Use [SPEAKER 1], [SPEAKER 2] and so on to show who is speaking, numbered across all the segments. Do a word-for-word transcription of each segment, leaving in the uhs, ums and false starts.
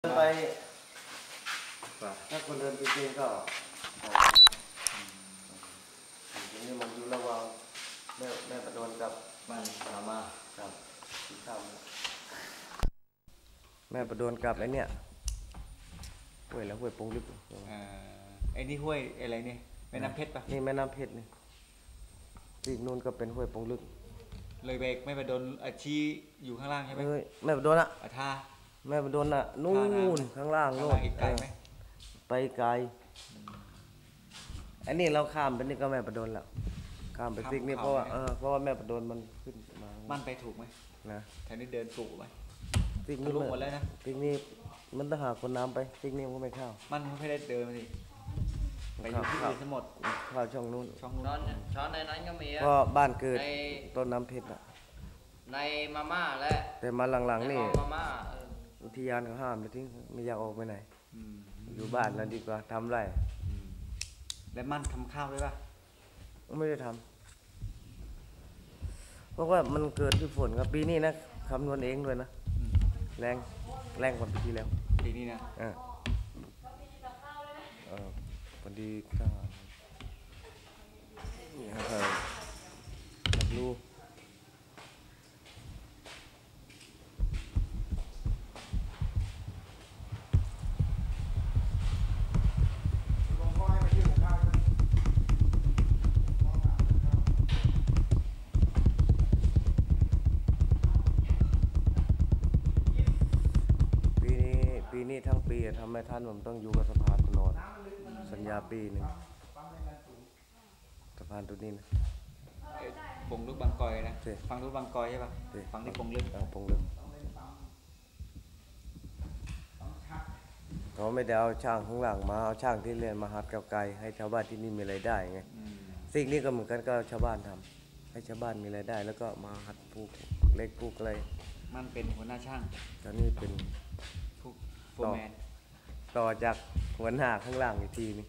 [SPEAKER 1] ไปถ้าคนเดินไปเจนก็ทีนี้มันอยู่ระหว่างแม่แม่ประดนกับบ้านรามาครับที่ข้ามแม่ประดนกับไอ้เนี่ยห้วยแล้วห้วยปงลึก
[SPEAKER 2] อ่าไอ้นี่ห้วยอะไรเนี่ยแม่น้ำเพชรปะ
[SPEAKER 1] นี่แม่น้ำเพชรนี่ที่นู่นก็เป็นห้วยปงลึก
[SPEAKER 2] เลยเบรกแม่ประดนอาชีอยู่ข้างล่างใช่ไหม
[SPEAKER 1] แม่ประดนอะ
[SPEAKER 2] อาท่า
[SPEAKER 1] แม่ประดนอะนู่นข้างล่างโน่น
[SPEAKER 2] ไกลไหม
[SPEAKER 1] ไปไกลอันนี้เราข้ามไปนี่ก็แม่ประดนแล้วข้ามไปซิกนี่เพราะว่าเออเพราะว่าแม่ประดนมันขึ้นมา
[SPEAKER 2] มันไปถูกไหมนะแถวนี้เดินถูกไหม
[SPEAKER 1] ซิกนี่หมดแล้วนะซิกนี่มันต้องหาคนน้ำไปซิกนี่มันก็ไม่เข้า
[SPEAKER 2] มันไม่ได้เดินมาสิไปอยู่ที่อื่นทั้งหมด
[SPEAKER 1] เข้าช่องนู้น
[SPEAKER 2] ช่องนู้น
[SPEAKER 3] ช้อนในนั้นก็มี
[SPEAKER 1] เพราะบ้านเกิดต้นน้ำเพชรอะ
[SPEAKER 3] ในมาม่าและ
[SPEAKER 1] แต่มาหลังๆนี่
[SPEAKER 3] มาม่า
[SPEAKER 1] อุทยานเขาห้ามเลยที่ไม่อยากออกไปไหนอยู่บ้านแล้วดีกว่าทำไร
[SPEAKER 2] แล้วมันทำข้าวด้วยป่ะ
[SPEAKER 1] ไม่ได้ทำเพราะว่ามันเกิดที่ฝนครับปีนี้นะคำนวณเองด้วยนะแรงแรงกว่าปีที่แล้ว
[SPEAKER 2] ปีนี้นะ
[SPEAKER 1] อ่าเออพอดีก็นี่ครับรับรู้ปีนี้ทั้งปีทำให้ท่านผมต้องอยู่กับสะพานตลอดสัญญาปีหนึ่งสะพานตัวนี้นะ
[SPEAKER 2] ปงลึกบางกอยนะฟังลึกบางกอยใช่ป่ะฟังที่ปงลึก
[SPEAKER 1] ปงลึกเขาไม่ได้เอาช่างข้างหลังมาเอาช่างที่เรียนมาหัดกับไกลให้ชาวบ้านที่นี่มีรายได้ไงสิ่งนี้ก็เหมือนกันก็ชาวบ้านทำให้ชาวบ้านมีรายได้แล้วก็มาหัดปลูกเล็กปลูกอะไร
[SPEAKER 2] มันเป็นหัวหน้าช่าง
[SPEAKER 1] ตอนนี้เป็น
[SPEAKER 2] ต่อ
[SPEAKER 1] ต่อจากหัวหน้าข้างล่างอีกทีนึง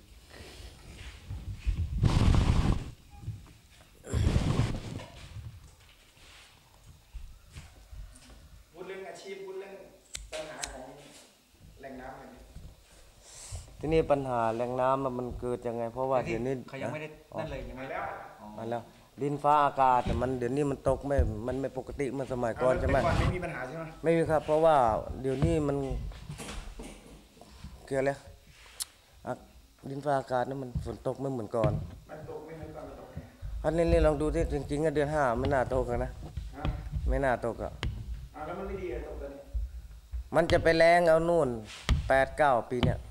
[SPEAKER 4] พูดเรื่องอาชีพพูดเรื่องปัญหาของแหล่งน้ำอะไร
[SPEAKER 1] ที่นี่ปัญหาแหล่งน้ำมันเกิดยังไงเพราะว่าเดี๋ยวนี้
[SPEAKER 2] เขายังไม่ได้นั่นเลยยังไม่แล้ว
[SPEAKER 1] มาแล้วดินฟ้าอากาศแต่มันเดี๋ยวนี้มันตกไม่มันไม่ปกติเหมือนสมัยก่อนใช่ไหม
[SPEAKER 4] ก่อนไม่มีปัญหาใช่ไหม
[SPEAKER 1] ไม่มีครับเพราะว่าเดี๋ยวนี้มันเกี่ยวอะไรดินฟ้าอากาศนั้นมันฝนตกไม่เหมือนก่อน
[SPEAKER 4] มันตกไม่เหมือนก่อนมันตก
[SPEAKER 1] อันนี้ลองดูที่จริงๆเดือนห้าไม่น่าตกนะไม่น่าตกอ่ะ
[SPEAKER 4] แล้วมันไม่ดีตกตอนนี้
[SPEAKER 1] มันจะไปแรงเอานู่นแปดเก้าปีเนี่ย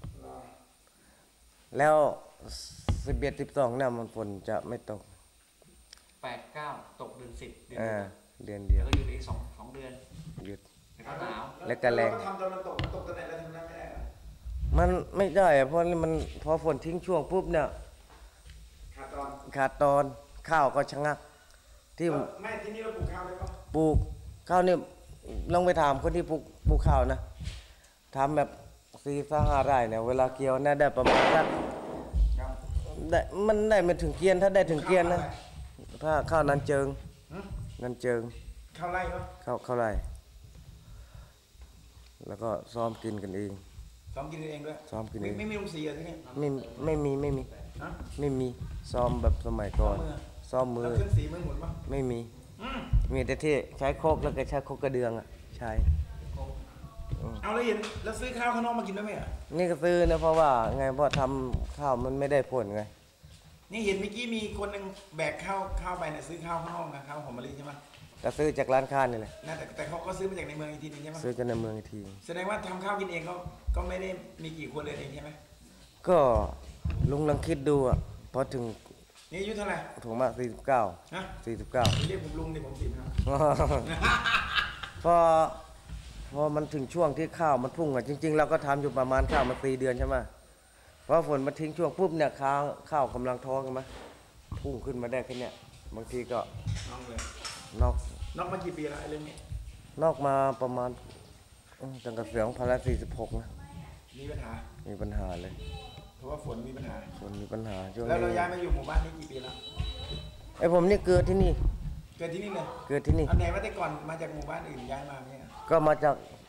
[SPEAKER 1] แล้วสิบเอ็ดสิบสองเนี่ยมันฝนจะไม่ตก
[SPEAKER 2] แปดเก้าตกเดือนสิบเดือน
[SPEAKER 1] เดือนเดียว
[SPEAKER 2] แล้วก็หยุดอีกสองสองเดือน
[SPEAKER 1] หยุด
[SPEAKER 2] แล้วก็หนาว
[SPEAKER 1] แล้วก็แรง
[SPEAKER 4] ทำตอนมันตกมันตกตอนไหนแล้วทำนั้นไม่ได้
[SPEAKER 1] มันไม่ได้เพราะมันพอฝนทิ้งช่วงปุ๊บเนี่ย
[SPEAKER 4] ขาดตอน
[SPEAKER 1] ขาดตอนข้าวก็ชะงักที่
[SPEAKER 4] ไม่ที่นี่เราปลูกข้าวได้ปะ
[SPEAKER 1] ปลูกข้าวนี่ลองไปถามคนที่ปลูกปลูกข้าวนะทำแบบสี่สห้าไร่เนี่ยเวลาเกี่ยวน่าได้ประมาณสักได้มันได้ไม่ถึงเกียนถ้าได้ถึงเกียนนะถ้าข้าวนั้นเจิงนั้นเจิง
[SPEAKER 4] ข้าวไร่เนาะ
[SPEAKER 1] ข้าวข้าวไร่แล้วก็ซ้อมกินกันเอง
[SPEAKER 4] ซ้อมกินเองด้วย
[SPEAKER 1] ซ้อมกินเอง
[SPEAKER 4] ไม่มีลุงสีอะไรที่นี่
[SPEAKER 1] ไม่ไม่มีไม่มีไม่มีซ้อมแบบสมัยก่อนซ้อมมือ
[SPEAKER 4] แล้วเครื่องสีมือหมุนปะ
[SPEAKER 1] ไม่มีมีแต่ที่ใช้โคกแล้วก็ใช้โคกกระเดืองอ่ะใช่
[SPEAKER 4] เอาเลยเห็นแล้วซื้อข้าวข้างนอกมากินได้ไหมอ่ะ
[SPEAKER 1] นี่ก็ซื้อนะเพราะว่าไงเพราะทำข้าวมันไม่ได้ผลไง
[SPEAKER 4] นี่เห็นเมื่อกี้มีคนหนึ่งแบกข้าวข้าวไปเนี่ยซื้อข้าวข้างนอกนะข้าวหอมมะลิใช่ไหม
[SPEAKER 1] ก็ซื้อจากร้านค้านี่แหละ
[SPEAKER 4] แต่แต่เขาก็ซื้อมาจากในเมืองอีกทีนึงใช่ไหม
[SPEAKER 1] ซื้อจากในเมืองอีกที
[SPEAKER 4] แสดงว่าทำข้าวกินเองก็ก็ไม่ได้มีกี่คนเลยเองใช่ไหม
[SPEAKER 1] ก็ลุงลองคิดดูอ่ะพอถึง
[SPEAKER 4] นี่อายุเท่าไหร่
[SPEAKER 1] ถูกมากสี่สิบเก้า
[SPEAKER 4] ฮะ
[SPEAKER 1] สี่สิบเก้า
[SPEAKER 4] เรียกผมลุงดิผมสี่ครับ
[SPEAKER 1] พอพอมันถึงช่วงที่ข้าวมันพุ่งอ่ะจริงๆเราก็ทำอยู่ประมาณข้าวมาสี่เดือนใช่ไหมเพราะฝนมาทิ้งช่วงปุ๊บเนี่ยข้าวข้าวกำลังท้องกันไหมพุ่งขึ้นมาได้แค่เนี้ยบางทีก็
[SPEAKER 4] นอกเลย
[SPEAKER 1] นอก
[SPEAKER 4] นอกมากี่ปีแล้วไอ้เรื่องนี้
[SPEAKER 1] นอกมาประมาณตั้งแต่เสียงพันละสี่สิบหกนะ
[SPEAKER 4] มีปัญหา
[SPEAKER 1] มีปัญหาเลย
[SPEAKER 4] เพราะว่าฝนมีปัญหา
[SPEAKER 1] ฝนมีปัญหาช่วงนี้
[SPEAKER 4] แล้วเราย้ายมาอยู่หมู่บ้านนี้กี่ปีแล้ว
[SPEAKER 1] ไอ้ผมนี่เกิดที่นี่
[SPEAKER 4] เกิดที่นี่เลย
[SPEAKER 1] เกิดที่นี่
[SPEAKER 4] อันไหนว่าแต่ก่อนมาจากหมู่บ้านอื่นย้ายมาเนี่ย
[SPEAKER 1] ก็มาจาก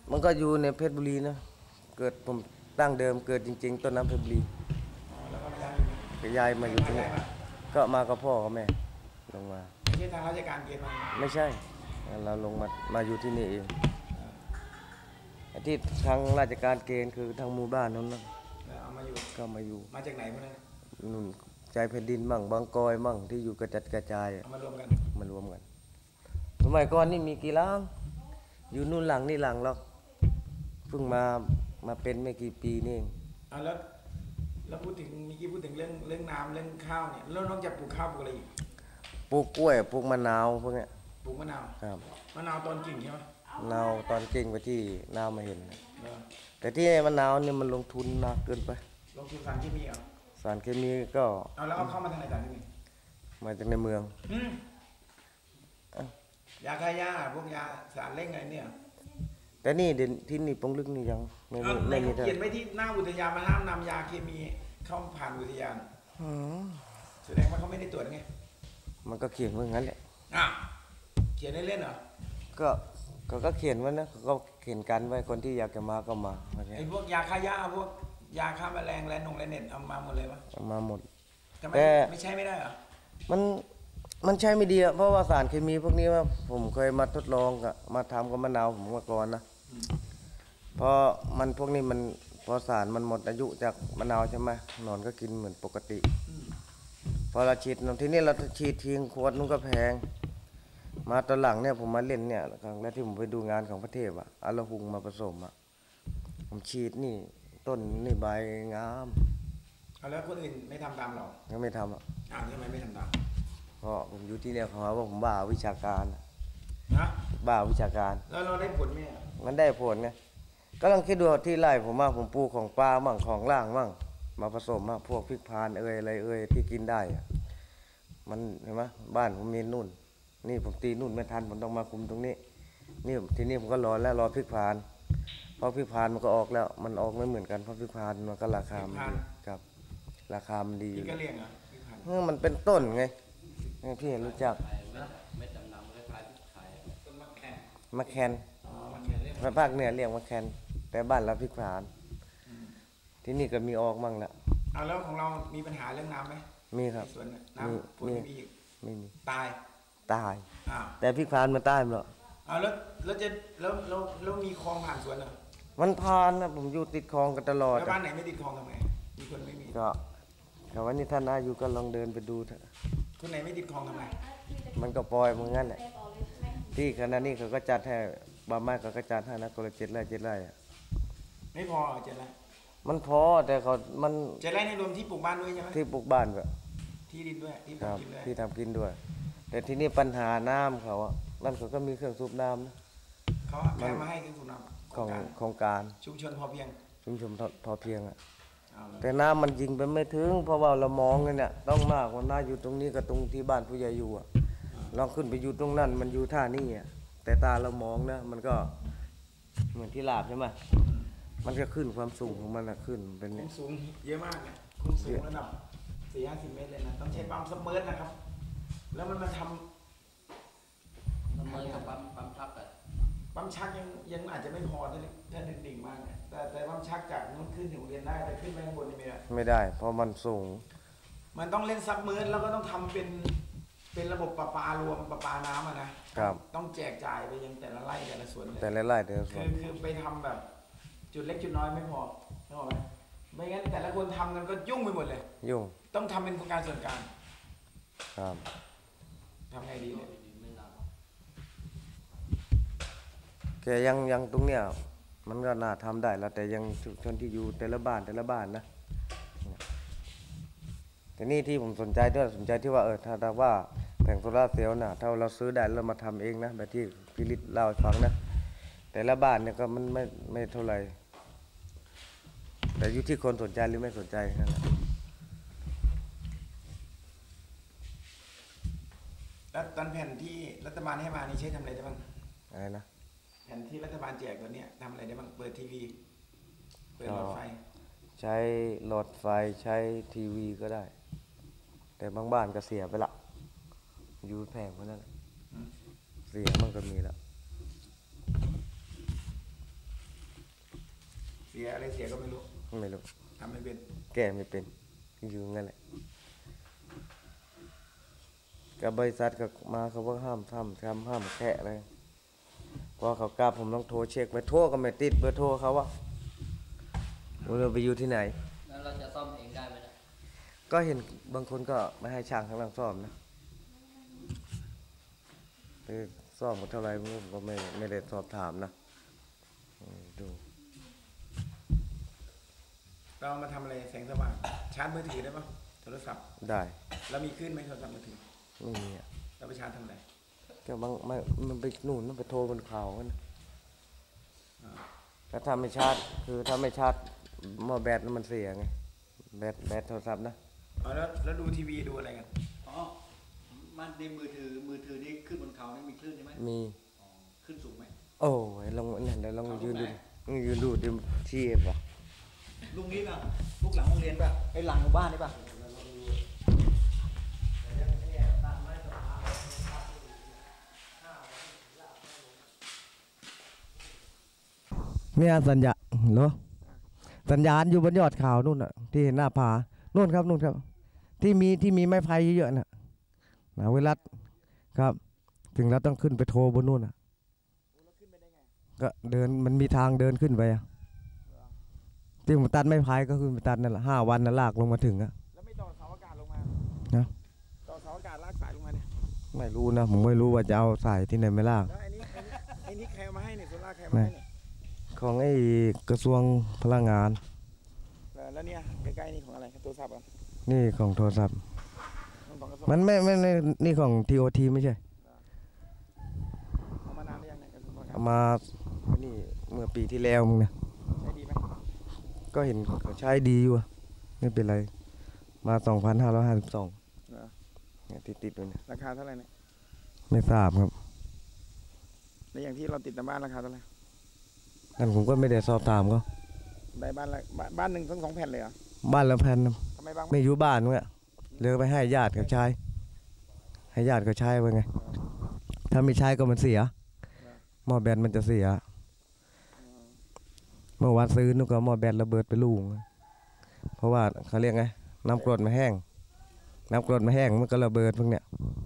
[SPEAKER 1] มันก็อยู่ในเพชรบุรีนะเกิดผมตั้งเดิมเกิดจริงๆต้นน้ำเพชรบุรี
[SPEAKER 4] แล้วก็มาย้ายอยู่
[SPEAKER 1] ก็ย้ายมาอยู่ที่นี่ก็มากับพ่อกับแม่ลงมา
[SPEAKER 4] ไม่ใช่ทางราชการเกณฑ์มา
[SPEAKER 1] ไม่ใช่เราลงมามาอยู่ที่นี่เองไอ้ที่ทางราชการเกณฑ์คือทางหมู่บ้านนั้นนะ
[SPEAKER 4] แล้วเอามาอยู่
[SPEAKER 1] ก็มาอยู่
[SPEAKER 4] มาจากไหนพวกนั้น
[SPEAKER 1] นู่นใจแผ่นดินมั่งบางกอยมั่งที่อยู่กระจัดกระจายอะ
[SPEAKER 4] เอามารวมกัน
[SPEAKER 1] มารวมกันสมัยก่อนนี่มีกี่หลังอยู่นู่นหลังนี่หลังหรอกเพิ่งมามาเป็นไม่กี่ปีนี่เอง
[SPEAKER 4] เอาแล้วแล้วพูดถึงเมื่อกี้พูดถึงเรื่องเรื่องน้ำเรื่องข้าวเนี่ยแล้วนอกจากปลูกข้าวปลูกอะไรอีก
[SPEAKER 1] ปลูกกล้วยปลูกมะนาวพวกเนี้ย
[SPEAKER 4] ปลูกมะนาว
[SPEAKER 1] ครับ
[SPEAKER 4] มะนาวตอนกิ่งใช่ไหม
[SPEAKER 1] มะนาวตอนเก่งไปที่นาวมาเห็น
[SPEAKER 4] เออ
[SPEAKER 1] แต่ที่มะนาวเนี่ยมันลงทุนหนักเกินไป
[SPEAKER 4] ลงทุนสารเคมีเหรอ
[SPEAKER 1] สารเคมีก็
[SPEAKER 4] เอาแล้วเอาเข้ามาทางไหนสารเคมี
[SPEAKER 1] มาจากในเมือง
[SPEAKER 4] อืม
[SPEAKER 1] เอ้าย
[SPEAKER 4] าฆ่าหญ้าพวกยาสารเร่งอะไรเนี่ย
[SPEAKER 1] แต่นี่เด่นที่นี่ปงลึกนี่ยังไม่
[SPEAKER 4] เอา
[SPEAKER 1] มี
[SPEAKER 4] ใน
[SPEAKER 1] ไม่มี
[SPEAKER 4] เขา
[SPEAKER 1] เท่า
[SPEAKER 4] เขียนไว้ที่หน้าอุทยานมาห้ามนำยาเคมีเข้าผ่านอุทยาน
[SPEAKER 1] อืม
[SPEAKER 4] แสดงว่าเขาไม่ได้ตรวจไง
[SPEAKER 1] มันก็เขียนไว้งั้นแหละ
[SPEAKER 4] อ่ะเขียนเล่นๆเหรอ
[SPEAKER 1] ก็ก็ก็เขียนไว้นะเขาก็เขียนกันไว้คนที่อยากจะมาก็มาอะไรเงี้
[SPEAKER 4] ไอ้
[SPEAKER 1] ย
[SPEAKER 4] พวกยาฆ่าหญ้าพวกยาฆ่าแมลงแลนงแลนเน็ตเอามาหมดเลยปะ
[SPEAKER 1] เอามาหมด
[SPEAKER 4] ทำไม
[SPEAKER 1] แต่
[SPEAKER 4] ไม่ใช่ไม่ได้เหรอ
[SPEAKER 1] มันมันใช้ไม่ดีอะเพราะว่าสารเคมีพวกนี้ว่าผมเคยมาทดลองกับมาทำกับมะนาวผมมาก่อนนะเพราะมันพวกนี้มันพอสารมันหมดอายุจากมะนาวใช่ไหมหนอนก็กินเหมือนปกติ พอเราฉีดทีนี้เราฉีดทิ้งขวดนู้นก็แพง มาตอนหลังเนี่ยผมมาเล่นเนี่ยครั้งแรกที่ผมไปดูงานของพระเทพอะเอาละหุงมาผสมอะผมฉีดนี่ต้นนี่ใบงาม
[SPEAKER 4] เอาแล้วคนอื่นไม่ทำตามเรา
[SPEAKER 1] ก็ไม่ทำอะ
[SPEAKER 4] อ้าวทำไมไม่ทำตาม
[SPEAKER 1] เพราะผมอยู่ที่เนี่ยเขาหาว่าผมบ้าวิชาการ
[SPEAKER 4] นะ
[SPEAKER 1] บ้าวิชาการ
[SPEAKER 4] แล้วเราได้ผลไหมอ่ะ
[SPEAKER 1] มันได้ผลไงก็ลองคิดดูที่ไร่ผมว่าผมปลูกของปลามั่งของล่างมั่งมาผสมมาพวกพริกพานเอ่ยอะไรเอ่ยที่กินได้อะมันเห็นไหมบ้านผมมีนู่น นี่ผมตีนู่นไม่ทันผมต้องมาคุมตรงนี้ นี่ทีนี้ผมก็รอแล้วรอพริกพานเพราะพริกพานมันก็ออกแล้ว มันออกไม่เหมือนกันเพราะพริกพานมันก็ราคามันดีครับ ราคามันดี
[SPEAKER 4] พี่ก็เลี้ยงเหรอพี่พันธุ์
[SPEAKER 1] เออมันเป็นต้นไงนี่พี่รู้จัก
[SPEAKER 3] เม็ดดำๆคล้ายๆพริกไทย
[SPEAKER 4] ต้นมะแขก
[SPEAKER 1] มะแคน
[SPEAKER 4] อ๋อมะแขกเรียก
[SPEAKER 1] ภาคเหนือเรียกมะแคนแต่บ้านเราพริกพาน ที่นี่ก็มีออกมั่งละ
[SPEAKER 4] เอาแล้วของเรามีปัญหาเรื่องน้ำไหม
[SPEAKER 1] มีครับ
[SPEAKER 4] ในสวนน่ะ
[SPEAKER 1] มี
[SPEAKER 4] น้ำฝน
[SPEAKER 1] มี
[SPEAKER 4] ไม่มีอีก
[SPEAKER 1] ไม่มี
[SPEAKER 4] ตาย
[SPEAKER 1] ตาย
[SPEAKER 4] อ้าว
[SPEAKER 1] แต่พริกพานมันตายหมดหรอก
[SPEAKER 4] เอาแล้วแล้วจะแล้วแล้วแล้วมีคลองผ่านสวนเหรอ
[SPEAKER 1] มันพานนะผมอยู่ติดคลองกันตลอด
[SPEAKER 4] แล้วบ้านไหนไม่ติดคลองทำไงมีคนไม่มี
[SPEAKER 1] ก็แต่วันนี้ท่านอายุก็ลองเดินไปดูเถอะ
[SPEAKER 4] คนไหนไม่ติดคลองทำไง
[SPEAKER 1] มันก็ปล่อยเหมือนกันแหละที่ขณะนี้เขาก็จัดให้บางไม้เขาก็จัดให้นะคนละเจ็ดไร่เจ็ดไร่อะ
[SPEAKER 4] ไม่พอเหรอเจ็ดไร่
[SPEAKER 1] มันพอแต่เขามัน
[SPEAKER 4] เจ็ดไร่ในรวมที่ปลูกบ้านด้วยใช่ไหม
[SPEAKER 1] ที่ปลูกบ้านแบบ
[SPEAKER 4] ที่ดินด้วยที่ป
[SPEAKER 1] ค
[SPEAKER 4] ลูก
[SPEAKER 1] รับ
[SPEAKER 4] กินด้วย
[SPEAKER 1] ที่ทำกินด้วย แต่ที่นี่ปัญหาน้ำเขาอะนั่นเขาก็มีเครื่องสูบน้ำนะ
[SPEAKER 4] เขาแพ้มาให้คือสุนัข
[SPEAKER 1] ของโครงการ
[SPEAKER 4] ชุมชนพอเพียง
[SPEAKER 1] ชุมชนพอพอเพียงอะ
[SPEAKER 4] เอาเลย
[SPEAKER 1] แต่น้ำมันยิงไปไม่ถึง เพราะว่าเรามองกันเนี่ยต้องมากกว่าน้าอยู่ตรงนี้กับตรงที่บ้านผู้ใหญ่อยู่อะลองขึ้นไปอยู่ตรงนั้นมันอยู่ท่านี่อะแต่ตาเรามองนะมันก็เหมือนที่ลาบใช่ไหมมันก็ขึ้นความสูงของมันอะขึ้นเป็น
[SPEAKER 4] คุ
[SPEAKER 1] เนี่ย
[SPEAKER 4] มสูงเยอะมากเนี่ยคุมสูงระดับสี่ห้าสิบเมตรเลยนะต้องใช้ปั๊มซับเมอร์นะครับ แล้วมันมาท
[SPEAKER 3] มันเหมือนกับปั๊มปั๊มพักอะ
[SPEAKER 4] ำปั๊มชักยังยังอาจจะไม่พอถ้าถ้าดิ่งๆมากเนี่ยแต่แต่ปั๊มชักจากนู้นขึ้นถึงโรงเรียนได้แต่ขึ้นไปข้างบนนี่ไม่ได้
[SPEAKER 1] ไม่ได้ เพราะมันสูง
[SPEAKER 4] มันต้องเล่นซับเมอร์แล้วก็ต้องทำเป็นเป็นระบบประปารวมประปาน้ำอะนะครับ ต้องแจกจ่ายไปยังแต่ละไร่แต่ละสวนเลย
[SPEAKER 1] แต่ละไร่แต่ละส่
[SPEAKER 4] คื
[SPEAKER 1] วน
[SPEAKER 4] อคือไปทำแบบจุดเล็กจุดน้อยไม่พอนึกออกไหมไม่งั้นแต่ละคนทำกันก็ยุ่งไปหมดเลย
[SPEAKER 1] ยุ่ง
[SPEAKER 4] ต้องทำเป็นโครงการส่วนกลาง
[SPEAKER 1] ครับ
[SPEAKER 4] ทำไงดีเนี่ย
[SPEAKER 3] ไม่นาน
[SPEAKER 1] แกยังยังตรงเนี้ยมันก็น่าทำได้แล้วแต่ยังชุมชนที่อยู่แต่ละบ้านแต่ละบ้านนะแต่นี่ที่ผมสนใจด้วยสนใจที่ว่าเออถ้าถ้าว่าแผงโซล่าร์เซลล์น่ะถ้าเราซื้อได้แล้วมาทำเองนะแบบที่พิริตเล่าให้ฟังนะแต่ละบ้านเนี่ยก็มันไม่ไม่เท่าไหร่แต่อยู่ที่คนสนใจหรือไม่สนใจนั่นแหละ
[SPEAKER 4] แล้วตอนแผ่นที่รัฐบาลให้มานี่ใช้ทำอะไรได้บ้าง
[SPEAKER 1] อะไรนะ
[SPEAKER 4] แผ่นที่รัฐบาลแจกตัวเนี้ยทำอะไรได้บ้างเปิดทีวีเปิดหลอดไฟ
[SPEAKER 1] ใช้หลอดไฟใช้ทีวีก็ได้ แต่บางบ้านก็เสียไปละอยู่แพงเพราะนั้นแหละ
[SPEAKER 4] อืม
[SPEAKER 1] เสียมันก็มีแล้ว
[SPEAKER 4] สียอะไรเสียก็ไม่รู้
[SPEAKER 1] ไม่รู้
[SPEAKER 4] ทำไม่เป็น
[SPEAKER 1] แก้ไม่เป็นอยู่งั้นแหละกับบริษัทก็มาเขาว่าห้ามทำทำห้ามแค่เลยพอเขากลับผมต้องโทรเช็คไปโทรก็ไม่ติดเบอร์โทรเขาว่าเราไปอยู่ที่ไหน
[SPEAKER 3] แล้วเราจะซ่อมเองได้ไหมนะ
[SPEAKER 1] ก็เห็นบางคนก็ไม่ให้ช่างข้างหลังซ่อมนะไปซ่อมกันเท่าไหรผมก็ไม่ไม่ได้สอบถามนะอืมดู
[SPEAKER 4] เราเอามาทำอะไรแสงสว่างชาร์จมือถือได้ปะโทรศัพท์
[SPEAKER 1] ได้
[SPEAKER 4] แล้วมีขึ้นไหมโทรศัพท์มือถือ
[SPEAKER 1] ไม่มีอ่ะ
[SPEAKER 4] เราไปชาร์จทำอะไร
[SPEAKER 1] ก็บางไม่มันไปนู่นมันไปโทรบนเขากันนะ
[SPEAKER 4] อ่า
[SPEAKER 1] ถ้าทำไม่ชาร์จคือถ้าไม่ชาร์จหม้อแบตมันเสียไงแบตแบตโทรศัพท์นะ
[SPEAKER 4] เอาแล้วแล้วดูทีวีดูอะไรกัน
[SPEAKER 2] อ๋อมันในมือถือมือถือนี่ขึ้นบนเขานี่มีคลื่นใช่ไหม
[SPEAKER 1] มี
[SPEAKER 2] อ๋อขึ้นสูงไหม
[SPEAKER 1] โอ้ยลองนั่นเดี๋ยวลองยืนดูยืนดูดิที่เอฟอ่ะ
[SPEAKER 2] ลุงนี้ป่ะลูกหลังโรงเรียนป่ะไอ้หลังหมู่บ้านนี่ป่ะ
[SPEAKER 1] เนี่ยสัญญาเหรอสัญญาณอยู่บนยอดเขานู่นน่ะที่เห็นหน้าผานู่นครับนู่นครับ ที่มีที่มีไม้ไผ่เยอะๆน่ะนะเวลาครับ ถึงเราต้องขึ้นไปโทรบนนู่นน่ะก็เดินมันมีทางเดินขึ้นไปอ่ะที่ผมตัดไม้ไผ่ก็คือไปตัดนั่นแหละห้าวันน่ะลากลงมาถึงอ่ะ
[SPEAKER 4] แล้วไม่ต่อเสาอากาศลงมา
[SPEAKER 1] นะ
[SPEAKER 4] ต่อเสาอากาศลากสายลงมาเนี่ย
[SPEAKER 1] ไม่รู้นะผมไม่รู้ว่าจะเอาสายที่ไหนไม่ลาก
[SPEAKER 4] แล้วไอ้นี้ไอ้นี้ไอ้นี้ใครเอามาให้เนี่ยโซล่าร์ใครเอามาให้เนี่ย
[SPEAKER 1] ของไอ้กระทรวงพลังงาน
[SPEAKER 4] เออแล้วเนี่ยใกล้ๆนี่ของอะไรโทรศัพท์เหรอ่ะ
[SPEAKER 1] นี่ของโทรศัพท์
[SPEAKER 4] ของกระทรวง
[SPEAKER 1] มันไม่ไม่ไม่นี่ของทีโอทีไม่ใช่
[SPEAKER 4] เอามานานหรือยังเนี่ยกระทรวงพลังงาน
[SPEAKER 1] เอามานี่เมื่อปีที่แล้วมึงนะ
[SPEAKER 4] ใช้ดีไหม
[SPEAKER 1] ก็เห็นเขาใช้ดีอยู่อะไม่เป็นไร มาสองพันห้าร้อยห้าสิบสอง
[SPEAKER 4] เหรอ
[SPEAKER 1] เนี่ยติดติดด้วยเนี่ย
[SPEAKER 4] ราคาเท่าไหร่เนี่ย
[SPEAKER 1] ไม่ทราบครับ
[SPEAKER 4] ในอย่างที่เราติดตามบ้านราคาเท่าไหร่
[SPEAKER 1] นั่นผมก็ไม่ได้สอบถามเขา
[SPEAKER 4] ได้บ้านละบ้านบ้านหนึ่งทั้งสองแผ่นเลยเหรอ
[SPEAKER 1] บ้านละแผ่นนะ
[SPEAKER 4] ทำไมบาง
[SPEAKER 1] ไม่อยู่บ้านเว้ยเลือกไปให้ญาติเขาใช้ ให้ญาติเขาใช้ไปไง ถ้าไม่ใช้ก็มันเสียหม้อแบตมันจะเสีย เมื่อวานซื้อนึกว่าหม้อแบตระเบิดไปลูกเพราะว่าเขาเรียกไงน้ำกรดมาแห้ง น้ำกรดมาแห้งมันก็ระเบิดพวกเนี้ย
[SPEAKER 4] อ